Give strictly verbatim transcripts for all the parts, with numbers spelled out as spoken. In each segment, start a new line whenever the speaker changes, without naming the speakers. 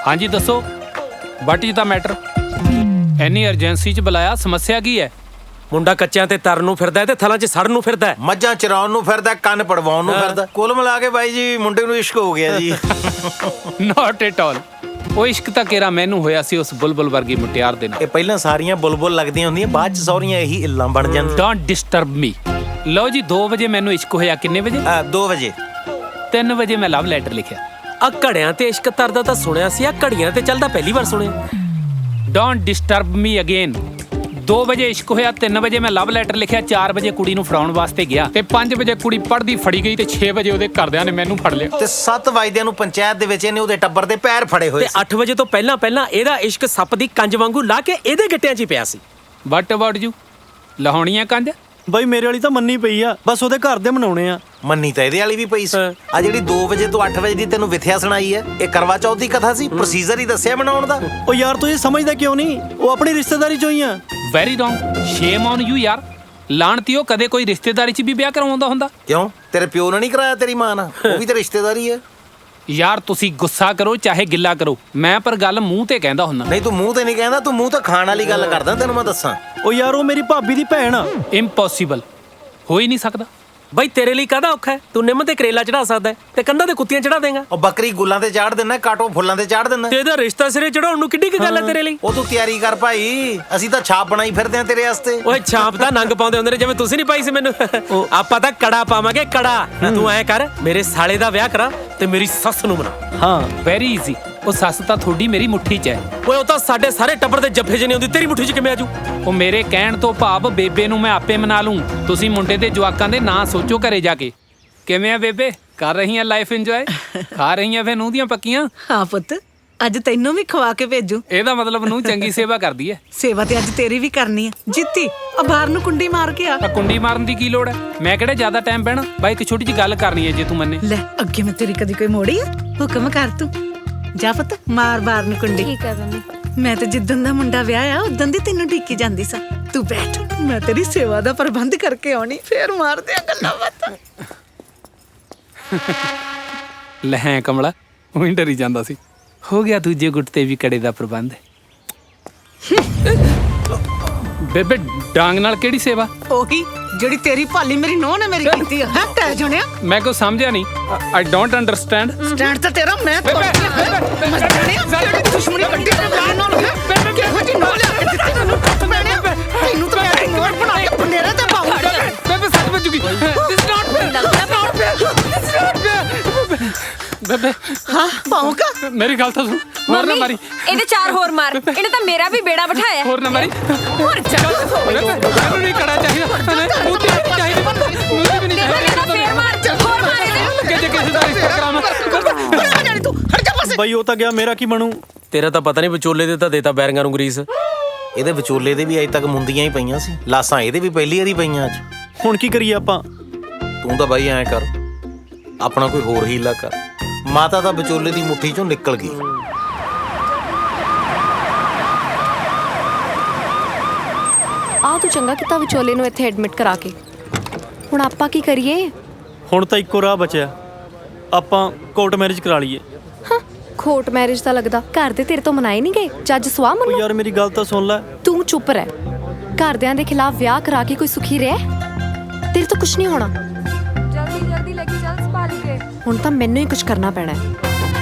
हाँ जी दसो, वट इज द मैटर? इन्नी अर्जेंसी च बुलाया, समस्या की है?
ਮੁੰਡਾ ਕੱਚਿਆਂ ਤੇ ਤਰਨ ਨੂੰ ਫਿਰਦਾ ਤੇ ਥਲਾਂ 'ਚ ਸੜਨ ਨੂੰ ਫਿਰਦਾ,
ਮੱਝਾਂ ਚਰਾਉਣ ਨੂੰ ਫਿਰਦਾ, ਕੰਨ ਪੜਵਾਉਣ ਨੂੰ ਫਿਰਦਾ। ਕੁੱਲ ਮਿਲਾ ਕੇ ਬਾਈ ਜੀ ਮੁੰਡੇ ਨੂੰ ਇਸ਼ਕ ਹੋ ਗਿਆ ਜੀ।
Not at all. ਉਹ ਇਸ਼ਕ ਤਾਂ ਕੇਰਾ ਮੈਨੂੰ ਹੋਇਆ ਸੀ ਉਸ ਬੁਲਬੁਲ ਵਰਗੀ ਮੁਟਿਆਰ ਦੇ ਨਾਲ।
ਇਹ ਪਹਿਲਾਂ ਸਾਰੀਆਂ ਬੁਲਬੁਲ ਲੱਗਦੀਆਂ ਹੁੰਦੀਆਂ, ਬਾਅਦ 'ਚ ਸਹੁਰੀਆਂ ਇਹੀ ਇੱਲਾਂ ਬਣ ਜਾਂਦੀਆਂ।
Don't disturb me. ਲਓ ਜੀ, ਦੋ ਵਜੇ ਮੈਨੂੰ ਇਸ਼ਕ ਹੋਇਆ। ਕਿੰਨੇ ਵਜੇ?
ਦੋ ਵਜੇ।
ਤਿੰਨ ਵਜੇ ਮੈਂ ਲਵ ਲੈਟਰ ਲਿਖਿਆ।
ਆ ਘੜਿਆਂ ਤੇ ਇਸ਼ਕ ਤਰਦਾ ਤਾਂ ਸੁਣਿਆ ਸੀ, ਆ ਘੜੀਆਂ ਤੇ ਚੱਲਦਾ ਪਹਿਲੀ ਵਾਰ ਸੁਣਿਆ।
Don't disturb me again. ਦੋ ਵਜੇ ਇਸ਼ਕ ਹੋਇਆ, ਤਿੰਨ ਵਜੇ ਮੈਂ ਲਵ ਲੈਟਰ ਲਿਖਿਆ, ਚਾਰ ਵਜੇ ਕੁੜੀ ਨੂੰ ਫੜਾਉਣ ਵਾਸਤੇ ਗਿਆ ਤੇ ਪੰਜ ਵਜੇ ਕੁੜੀ ਪੜ੍ਹਦੀ ਫੜੀ ਗਈ ਤੇ ਛੇ ਵਜੇ ਉਹਦੇ ਘਰਦਿਆਂ ਨੇ ਮੈਨੂੰ ਫੜ ਲਿਆ
ਤੇ ਸੱਤ ਵਜੇ ਨੂੰ ਪੰਚਾਇਤ ਦੇ ਵਿੱਚ ਇਹਨੇ ਉਹਦੇ ਟੱਬਰ ਦੇ ਪੈਰ ਫੜੇ ਹੋਏ
ਤੇ ਅੱਠ ਵਜੇ ਤੋਂ ਪਹਿਲਾਂ ਪਹਿਲਾਂ ਇਹਦਾ ਇਸ਼ਕ ਸੱਪ ਦੀ ਕੰਜ ਵਾਂਗੂ ਲਾ ਕੇ ਇਹਦੇ ਗਿੱਟਿਆਂ 'ਚ ਹੀ ਪਿਆ ਸੀ।
ਵਟ ਅਬਾਊਟ ਯੂ? ਲਾਹੌਣੀਆਂ ਕੰਜ?
ਬਾਈ ਮੇਰੇ ਵਾਲੀ ਤਾਂ ਮੰਨੀ ਪਈ ਆ, ਬਸ ਉਹਦੇ ਘਰ ਦੇ ਮਨਾਉਣੇ ਆ।
ਮੰਨੀ ਤਾਂ ਇਹਦੇ ਵਾਲੀ ਵੀ ਪਈ ਸੀ। ਆ ਜਿਹੜੀ ਦੋ ਵਜੇ ਤੋਂ ਅੱਠ ਵਜੇ ਦੀ ਤੈਨੂੰ ਵਿਥਿਆ ਸੁਣਾਈ ਹੈ, ਇਹ ਕਰਵਾ ਚੌਥ ਦੀ ਕਥਾ ਸੀ, ਪ੍ਰੋਸੀਜਰ ਹੀ ਦੱਸਿਆ ਬਣਾਉਣ ਦਾ।
ਉਹ ਯਾਰ ਤੂੰ ਇਹ ਸਮਝਦਾ ਕਿਉਂ ਨਹੀਂ? ਉਹ ਆਪਣੀ ਰਿਸ਼ਤੇਦਾਰੀ ਚੋਂ ਹੀ ਆ।
Very wrong. Shame on you ਯਾਰ। ਲਾਣਤੀਓ, ਕਦੇ ਕੋਈ ਰਿਸ਼ਤੇਦਾਰੀ 'ਚ ਵੀ ਵਿਆਹ ਕਰਵਾਉਂਦਾ ਹੁੰਦਾ?
ਕਿਉਂ, ਤੇਰੇ ਪਿਓ ਨੇ ਨਹੀਂ ਕਰਾਇਆ, ਤੇਰੀ ਮਾਂ ਨਾਲ? ਉਹ ਵੀ ਤਾਂ ਰਿਸ਼ਤੇਦਾਰੀ ਹੈ
ਯਾਰ। ਤੁਸੀਂ ਗੁੱਸਾ ਕਰੋ ਚਾਹੇ ਗਿੱਲਾ ਕਰੋ, ਮੈਂ ਪਰ ਗੱਲ ਮੂੰਹ ਤੇ ਕਹਿੰਦਾ ਹੁੰਦਾ।
ਨਹੀਂ, ਤੂੰ ਮੂੰਹ ਤੇ ਨਹੀਂ ਕਹਿੰਦਾ, ਤੂੰ ਮੂੰਹ ਤੇ ਖਾਣ ਵਾਲੀ ਗੱਲ ਕਰਦਾ। ਤੈਨੂੰ ਮੈਂ ਦੱਸਾਂ,
ਉਹ ਯਾਰ ਉਹ ਮੇਰੀ ਭਾਬੀ ਦੀ ਭੈਣ ਆ।
ਇੰਪੋਸੀਬਲ, ਹੋ ਹੀ ਨਹੀਂ ਸਕਦਾ।
ਬਾਈ ਤੇਰੇ ਲਈ ਕਾਹਦਾ ਔਖਾ ਹੈ? ਤੂੰ ਨਿੰਮ ਤੇ ਕਰੇਲਾ ਚੜਾ ਸਕਦਾ ਤੇ ਕੰਧਾਂ ਤੇ ਕੁੱਤੀਆਂ ਚੜਾ ਦੇਂਗਾ।
ਉਹ ਬੱਕਰੀ ਗੁੱਲਾਂ ਤੇ ਚਾੜ ਦਿੰਦਾ, ਕਾਟੋ ਫੁੱਲਾਂ ਤੇ ਚਾੜ ਦਿੰਦਾ।
ਤੇ ਇਹਦਾ ਰਿਸ਼ਤਾ ਸਿਰੇ ਚੜਾਉਣ ਨੂੰ ਕਿੱਡੀ ਕੀ ਗੱਲ ਹੈ ਤੇਰੇ ਲਈ?
ਉਹ ਤੂੰ ਤਿਆਰੀ ਕਰ ਭਾਈ, ਅਸੀਂ ਤਾਂ ਛਾਪ ਬਣਾਈ ਫਿਰਦੇ ਆ ਤੇਰੇ ਵਾਸਤੇ।
ਓਏ ਛਾਪ ਦਾ ਨੰਗ ਪਾਉਂਦੇ ਹੁੰਦੇ ਨੇ, ਜਿਵੇਂ ਤੁਸੀਂ ਨਹੀਂ ਪਾਈ ਸੀ ਮੈਨੂੰ। ਆਪਾਂ ਤਾਂ ਕੜਾ ਪਾਵਾਂਗੇ, ਕੜਾ। ਤੂੰ ਐ ਕਰ, ਮੇਰੇ ਸਾਲੇ ਦਾ ਵਿਆਹ ਕਰਾ ਤੇ ਮੇਰੀ ਸੱਸ ਨੂੰ ਬਣਾ।
ਹਾਂ, ਵੈਰੀ ਈਜ਼ੀ। ਉਹ ਸੱਸ ਤਾਂ ਤੁਹਾਡੀ ਮੇਰੀ ਮੁੱਠੀ 'ਚ ਹੈ।
ਓਏ ਉਹ ਤਾਂ ਸਾਡੇ ਸਾਰੇ ਟੱਬਰ ਦੇ ਜੱਫੇ 'ਚ ਨਹੀਂ ਆਉਂਦੀ, ਤੇਰੀ ਮੁੱਠੀ 'ਚ ਕਿਵੇਂ ਆਜੂ?
ਉਹ ਮੇਰੇ ਕਹਿਣ ਤੋਂ ਭਾਵ ਬੇਬੇ ਨੂੰ ਮੈਂ ਆਪੇ ਮਨਾ ਲੂੰ। ਤੁਸੀਂ ਮੁੰਡੇ ਦੇ ਜਵਾਕਾਂ ਦੇ ਨਾਂ ਸੋਚੋ ਘਰੇ ਜਾ ਕੇ। ਕਿਵੇਂ ਆ ਬੇਬੇ, ਕਰ ਰਹੀ ਆ ਲਾਈਫ ਇੰਜੋਏ? ਖਾ ਰਹੀ ਆ ਫੇ ਨੂੰਹ ਦੀਆਂ ਪੱਕੀਆਂ?
ਹਾਂ ਪੁੱਤ, ਅੱਜ ਤੈਨੂੰ ਵੀ ਖਵਾ ਕੇ ਭੇਜੂ।
ਇਹਦਾ ਮਤਲਬ ਨੂੰਹ ਚੰਗੀ ਸੇਵਾ ਕਰਦੀ ਹੈ।
ਸੇਵਾ ਤੇ ਅੱਜ ਤੇਰੀ ਵੀ ਕਰਨੀ ਆ। ਜਿੱਤੀ ਆ ਬਾਹਰ ਨੂੰ ਕੁੰਡੀ ਮਾਰ ਕੇ ਆ।
ਆ ਕੁੰਡੀ ਮਾਰਨ ਦੀ ਕੀ ਲੋੜ ਹੈ? ਮੈਂ ਕਿਹੜਾ ਜ਼ਿਆਦਾ ਟਾਈਮ ਬਹਿਣਾ। ਬਾਈ ਇੱਕ ਛੋਟੀ ਜਿਹੀ ਗੱਲ ਕਰਨੀ ਹੈ ਜੇ ਤੂੰ ਮੰਨੇ।
ਲੈ, ਅੱਗੇ ਮੈਂ ਤੇਰੀ ਕਦੀ ਕੋਈ ਮੋੜੀ ਆ? ਹੁਕਮ ਕਰ ਤੂੰ। ਜਾ ਪੁੱਤ, ਮਾਰ ਬਾਹਰ ਨੂੰ ਕੁੰਡੀ।
ਠੀਕ ਹੈ ਮੰਮੀ।
ਮੈਂ ਤੇ ਜਿੱਦਣ ਦਾ ਮੁੰਡਾ ਵਿਆਹ ਆ ਉਦੋਂ ਦੀ ਤੈਨੂੰ ਢੀਕੀ ਜਾਂਦੀ ਸਾਂ। ਤੂੰ ਬੈਠ, ਮੈਂ ਤੇਰੀ ਸੇਵਾ ਦਾ ਪ੍ਰਬੰਧ ਕਰਕੇ ਆਉਣੀ, ਫੇਰ ਮਾਰਦੇ ਆ ਗੱਲਾਂ ਬਾਤਾਂ।
ਲੈ ਕਮਲਾ, ਉਹ ਹੀ ਡਰੀ ਜਾਂਦਾ ਸੀ। ਹੋ ਗਿਆ ਦੂਜੇ ਗੁੱਟ ਤੇ ਵੀ ਕੜੇ ਦਾ ਪ੍ਰਬੰਧ। ਬੇਬੇ ਡਾਂਗ ਨਾਲ ਕਿਹੜੀ ਸੇਵਾ?
ਉਹੀ ਜਿਹੜੀ ਤੇਰੀ ਭਾਲੀ ਮੇਰੀ ਨੋਹ ਨੇ ਮੇਰੀ ਕੀਤੀ ਆ। ਹੈ ਟੈ ਜੁਣਿਆ?
ਮੈਂ ਕੋ ਸਮਝਿਆ ਨਹੀਂ। I don't understand.
ਸਟੈਂਡ ਤਾਂ ਤੇਰਾ ਮੈਂ ਤੋੜ ਕੇ ਮੈਂ ਜਿਹੜੀ ਦੁਸ਼ਮਣੀ ਕੱਢੀ ਤੇ ਮੇਰੇ ਨਾਲ ਹੈ। ਬੇਬੇ ਕਿਹੋ ਜਿਹੀ ਨੋਹ ਲਿਆ ਕੇ ਦਿੱਤੀ ਤੈਨੂੰ? ਟੁੱਟ ਪੈਣਿਆ ਤੈਨੂੰ ਤਾਂ ਮੈਂ ਨੋਟ ਬਣਾ ਕੇ ਪੰਡੇਰੇ ਤੇ ਪਾਉਂਗਾ।
ਬੇਬੇ ਸੱਚ ਵੱਜੂਗੀ। This not fair, this not fair, this not fair. ਬੇਬੇ
ਹਾਂ ਪਾਉਂਗਾ।
ਮੇਰੀ ਗੱਲ ਤਾਂ ਸੁਣ। ਹੋਰ ਨਾ ਮਾਰੀ।
ਇਹਦੇ ਚਾਰ ਹੋਰ ਮਾਰ। ਇਹਨੇ ਤਾਂ ਮੇਰਾ ਵੀ ਬੇੜਾ ਬਿਠਾਇਆ।
ਹੋਰ ਨਾ ਮਾਰੀ।
ਹੋਰ ਚੱਲ।
ਮੈਨੂੰ ਨਹੀਂ ਕੜਾ ਚਾਹੀਦਾ। ਮੂੰਹ ਤੇ ਨਹੀਂ ਚਾਹੀਦਾ। ਮੂੰਹ ਤੇ ਵੀ ਨਹੀਂ ਚਾਹੀਦਾ।
ਫੇਰ ਮਾਰ, ਹੋਰ ਮਾਰ ਇਹਦੇ।
ਕਿ ਜੇ ਕਿਸੇ ਦਾ ਰਿਸ਼ਤਾ ਕਰਾਵਾਂ।
ਹਟ ਜਾ ਤੂੰ, ਹਟ ਜਾ ਪਾਸੇ।
ਬਾਈ ਉਹ ਤਾਂ ਗਿਆ, ਮੇਰਾ ਕੀ ਬਣੂ?
ਤੇਰਾ ਤਾਂ ਪਤਾ ਨਹੀਂ, ਵਿਚੋਲੇ ਦੇ ਤਾਂ ਦੇਤਾ ਬੈਰੀਆਂ ਨੂੰ ਗਰੀਸ।
ਇਹਦੇ ਵਿਚੋਲੇ ਦੇ ਵੀ ਅਜੇ ਤੱਕ ਮੁੰਦੀਆਂ ਹੀ ਪਈਆਂ ਸੀ, ਲਾਸਾਂ ਇਹਦੇ ਵੀ ਪਹਿਲੀ ਵਾਰੀ ਪਈਆਂ ਅੱਜ।
ਹੁਣ ਕੀ ਕਰੀਏ ਆਪਾਂ?
ਤੂੰ ਤਾਂ ਬਾਈ ਐਂ ਕਰ, ਆਪਣਾ ਕੋਈ ਹੋਰ ਹੀਲਾ ਕਰ। ਮਾਤਾ ਤਾਂ ਵਿਚੋਲੇ ਦੀ ਮੁੱਠੀ ਚੋਂ ਨਿਕਲ ਗਈ।
ਆ ਤੂੰ ਚੰਗਾ ਕੀਤਾ ਵਿਚੋਲੇ ਨੂੰ ਇੱਥੇ ਐਡਮਿਟ ਕਰਾ ਕੇ। ਹੁਣ ਆਪਾਂ ਕੀ ਕਰੀਏ?
ਹੁਣ ਤਾਂ ਇੱਕੋ ਰਾਹ ਬਚਿਆ, ਆਪਾਂ ਕੋਰਟ ਮੈਰਿਜ ਕਰਾ ਲਈਏ।
ਹਾਂ, ਕੋਰਟ ਮੈਰਿਜ ਤਾਂ ਲੱਗਦਾ ਘਰ ਦੇ ਤੇਰੇ ਤੋਂ ਮਨਾਏ ਨਹੀਂ ਗਏ। ਜੱਜ ਸਵਾਹ
ਉਹ
ਮੰਨੋ।
ਯਾਰ ਮੇਰੀ ਗੱਲ ਤਾਂ ਸੁਣ ਲੈ।
ਤੂੰ ਚੁੱਪ ਰਹਿ। ਘਰਦਿਆਂ ਦੇ ਖਿਲਾਫ ਵਿਆਹ ਕਰਾ ਕੇ ਕੋਈ ਸੁਖੀ ਰਹਿ? ਤੇਰੇ ਤੋਂ ਕੁਝ ਨਹੀਂ ਹੋਣਾ। ਜਲਦੀ ਜਲਦੀ ਲੈ ਕੇ ਚੱਲ ਸੰਭਾਲ ਕੇ। ਹੁਣ ਤਾਂ ਮੈਨੂੰ ਹੀ ਕੁਝ ਕਰਨਾ ਪੈਣਾ ਹੈ।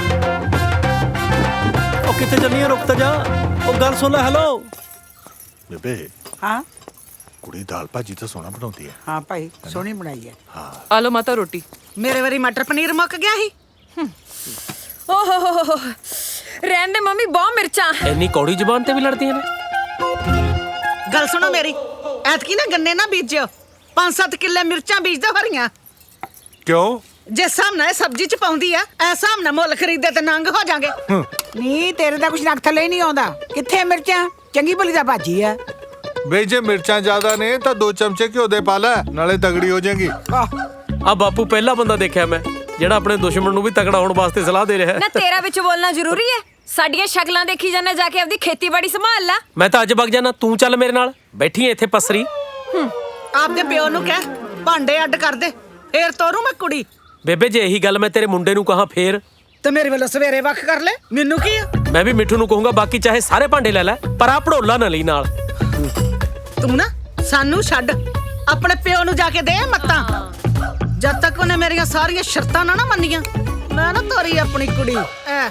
ਉਹ ਕਿੱਥੇ ਚੱਲੀ ਆ? ਰੁਕ ਤਾਂ ਜਾ। ਉਹ ਗੱਲ ਸੁਣ ਲੈ। ਹੈਲੋ
ਬੇਬੇ।
ਹਾਂ
ਕੁੜੀ ਦਾਲ ਭਾਜੀ ਤਾਂ ਸੋਹਣਾ ਬਣਾਉਂਦੀ ਹੈ।
ਹਾਂ ਭਾਈ, ਸੋਹਣੀ ਬਣਾਈ ਹੈ।
ਹਾਂ,
ਆ ਲੋ ਮਾਤਾ ਰੋਟੀ। ਮੇਰੇ ਵਾਰੀ ਮਟਰ ਪਨੀਰ ਮੁੱਕ ਗਿਆ ਸੀ।
ਓਹ ਹੋ ਹੋ ਹੋ, ਰਹਿਣ ਦੇ ਮੰਮੀ, ਬਹੁਤ ਮਿਰਚਾਂ।
ਇੰਨੀ ਕੌੜੀ ਜ਼ੁਬਾਨ ਤੇ ਵੀ ਲੜਦੀਆਂ ਨੇ।
ਗੱਲ ਸੁਣੋ ਮੇਰੀ, ਐਤਕੀ ਨਾ ਗੰਨੇ ਨਾ ਬੀਜਿਓ। ਪੰਜ ਸੱਤ ਕਿੱਲੇ ਮਿਰਚਾਂ ਬੀਜ ਦੋ ਹਰੀਆਂ।
ਕਿਉਂ?
ਜੇ ਸਾਹਮਣੇ ਸਬਜ਼ੀ ਚ ਪਾਉਂਦੀ ਆ, ਐ ਸਾਹਮਣੇ ਮੁੱਲ ਖਰੀਦੇ ਤੇ ਨੰਗ ਹੋ ਜਾਗੇ।
ਨਹੀਂ, ਤੇਰੇ ਦਾ ਕੁਛ ਨੱਕ ਥੱਲੇ ਹੀ ਨਹੀਂ ਆਉਂਦਾ। ਕਿੱਥੇ ਮਿਰਚਾਂ? ਚੰਗੀ ਭਲੀ ਦਾ ਭਾਜੀ ਆ।
ਬਈ ਜੇ ਮਿਰਚਾਂ ਜ਼ਿਆਦਾ ਨੇ ਤਾਂ ਦੋ ਚਮਚੇ ਘਿਓ ਦੇ ਪਾ ਲੈ, ਨਾਲੇ ਤਗੜੀ ਹੋ ਜਾਏਗੀ।
ਆ ਬਾਪੂ ਪਹਿਲਾ ਬੰਦਾ ਦੇਖਿਆ ਮੈਂ ਜਿਹੜਾ ਆਪਣੇ ਦੁਸ਼ਮਣ ਨੂੰ ਵੀ ਤਕੜਾ ਹੋਣ ਵਾਸਤੇ ਸਲਾਹ ਦੇ ਰਿਹਾ
ਨਾ
ਹੈ।
ਤੇਰਾ ਵਿੱਚ ਬੋਲਣਾ ਜ਼ਰੂਰੀ ਹੈ? ਸਾਡੀਆਂ ਸ਼ਕਲਾਂ ਦੇਖੀ ਜਾਣਾ, ਜਾ ਕੇ ਆਪਦੀ ਖੇਤੀਬਾੜੀ ਸੰਭਾਲ ਲੈ।
ਮੈਂ ਤਾਂ ਅੱਜ ਵਗ ਜਾਣਾ, ਤੂੰ ਚੱਲ ਮੇਰੇ ਨਾਲ। ਬੈਠੀ ਐ ਇੱਥੇ ਪਸਰੀ।
ਆਪਦੇ ਪਿਓ ਨੂੰ ਕਹਿ ਭਾਂਡੇ ਅੱਡ ਕਰ ਦੇ, ਫੇਰ ਤੋਰੂ ਮੈਂ ਕੁੜੀ।
ਬੇਬੇ ਜੇ ਇਹੀ ਗੱਲ ਮੈਂ ਤੇਰੇ ਮੁੰਡੇ ਨੂੰ ਕਹਾਂ ਫੇਰ?
ਤੇ ਮੇਰੇ ਵੱਲੋਂ ਸਵੇਰੇ ਵੱਖ ਕਰ ਲੈ, ਮੈਨੂੰ ਕੀ ਆ?
ਮੈਂ ਵੀ ਮਿੱਠੂ ਨੂੰ ਕਹੂੰਗਾ ਬਾਕੀ ਚਾਹੇ ਸਾਰੇ ਭਾਂਡੇ ਲੈ ਲੈ ਪਰ ਆ ਭੜੋਲਾ ਨਾ ਲਈ ਨਾਲ।
ਤੂੰ ਨਾ ਸਾਨੂੰ ਛੱਡ, ਆਪਣੇ ਪਿਓ ਨੂੰ ਜਾ ਕੇ ਦੇ ਮੱਤਾਂ। ਜਦ ਤੱਕ ਉਹਨੇ ਮੇਰੀਆਂ ਸਾਰੀਆਂ ਸ਼ਰਤਾਂ ਨਾ ਨਾ ਮੰਨੀਆਂ, ਮੈਂ ਨਾ ਤੋਰੀ ਆਪਣੀ ਕੁੜੀ ਐ।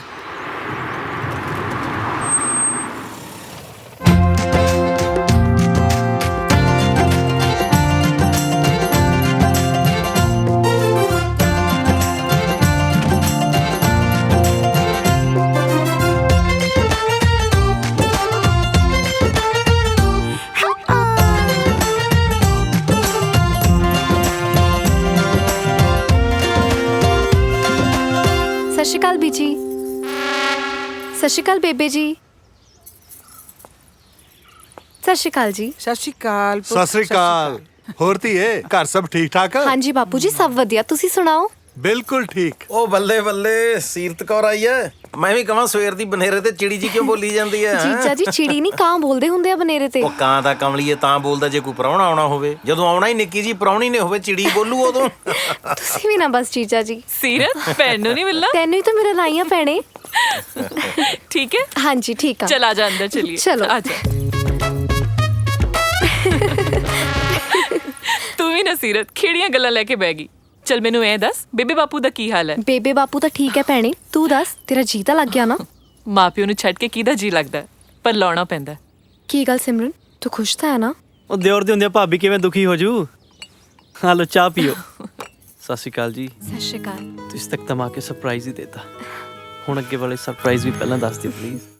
ਸਤਿ ਸ਼੍ਰੀ ਅਕਾਲ ਬੀਜੀ। ਸਤਿ ਸ਼੍ਰੀ ਅਕਾਲ ਬੇਬੇ ਜੀ। ਸਤਿ ਸ਼੍ਰੀ ਅਕਾਲ ਜੀ।
ਸਤਿ ਸ਼੍ਰੀ ਅਕਾਲ ਪੁੱਤ,
ਸਤਿ ਸ੍ਰੀ ਅਕਾਲ। ਹੋਰ ਧੀਏ, ਘਰ ਸਭ ਠੀਕ ਠਾਕ?
ਹਾਂਜੀ ਬਾਪੂ ਜੀ, ਸਭ ਵਧੀਆ। ਤੁਸੀਂ ਸੁਣਾਓ?
ਬਿਲਕੁਲ ਠੀਕ।
ਉਹ ਬੱਲੇ ਬੱਲੇ, ਸੀਰਤ ਕੌਰ ਆਈ ਐ। ਮੈਂ ਵੀ ਕਹਾਂ ਸਵੇਰ ਦੀ ਬਨੇਰੇ ਤੇ ਚਿੜੀ ਜੀ ਕਿਉਂ ਬੋਲੀ ਜਾਂਦੀ ਐ?
ਜੀਜਾ ਜੀ, ਚਿੜੀ ਨਹੀਂ ਕਾਂ ਬੋਲਦੇ ਹੁੰਦੇ ਆ ਬਨੇਰੇ ਤੇ।
ਉਹ ਕਾਂ ਦਾ ਕਮਲੀਏ ਤਾਂ ਬੋਲਦਾ ਜੇ ਕੋਈ ਪ੍ਰਾਹੁਣਾ ਆਉਣਾ ਹੋਵੇ। ਜਦੋਂ ਆਉਣਾ ਹੀ ਨਿੱਕੀ ਜੀ ਪ੍ਰਾਹੁਣੀ ਨੇ ਹੋਵੇ, ਚਿੜੀ ਬੋਲੂ ਉਦੋਂ।
ਤੁਸੀਂ ਵੀ ਨਾ ਬਸ ਜੀਜਾ ਜੀ।
ਸੀਰਤ ਭੈਣ ਨੂੰ ਨਹੀਂ ਮਿਲਣਾ?
ਤੈਨੂੰ ਹੀ ਤਾਂ ਮੇਰਾ ਲਾਈਆਂ ਪੈਣੇ।
ਠੀਕ ਹੈ,
ਹਾਂਜੀ ਠੀਕ ਆ।
ਚਲ ਆ ਜਾ ਅੰਦਰ ਚਲੀਏ।
ਚਲੋ।
ਆ ਜਾ। ਤੂੰ ਵੀ ਨਾ ਸੀਰਤ ਖੇੜੀਆਂ ਗੱਲਾਂ ਲੈ ਕੇ ਬਹਿ ਗਈ। ਚਲ ਮੈਨੂੰ ਇਹ ਦੱਸ, ਬੇਬੇ ਬਾਪੂ ਦਾ ਕੀ ਹਾਲ ਹੈ?
ਬੇਬੇ ਬਾਪੂ ਤਾਂ ਠੀਕ ਹੈ ਭੈਣੇ, ਤੂੰ ਦੱਸ ਤੇਰਾ ਜੀ ਤਾਂ ਲੱਗ ਗਿਆ ਨਾ?
ਮਾਪਿਓ ਨੂੰ ਛੱਡ ਕੇ ਕਿਹਦਾ ਜੀ ਲੱਗਦਾ, ਪਰ ਲਾਉਣਾ ਪੈਂਦਾ।
ਕੀ ਗੱਲ ਸਿਮਰਨ, ਤੂੰ ਖੁਸ਼ ਤਾਂ ਹੈ ਨਾ?
ਉਹ ਦਿਓਰ ਦੇ ਹੁੰਦੇ ਭਾਬੀ ਕਿਵੇਂ ਦੁਖੀ ਹੋ ਜੂ। ਹਾਂ ਲੋ ਚਾਹ ਪੀਓ। ਸਤਿ ਸ਼੍ਰੀ ਅਕਾਲ ਜੀ।
ਸਤਿ ਸ਼੍ਰੀ ਅਕਾਲ।
ਤੁਸੀਂ ਤੱਕ ਤਮਾ ਕੇ ਸਰਪ੍ਰਾਈਜ਼ ਹੀ ਦੇਤਾ, ਹੁਣ ਅੱਗੇ ਵਾਲੇ ਸਰਪ੍ਰਾਈਜ਼ ਵੀ ਪਹਿਲਾਂ ਦੱਸ ਦਿਓ ਪਲੀਜ਼।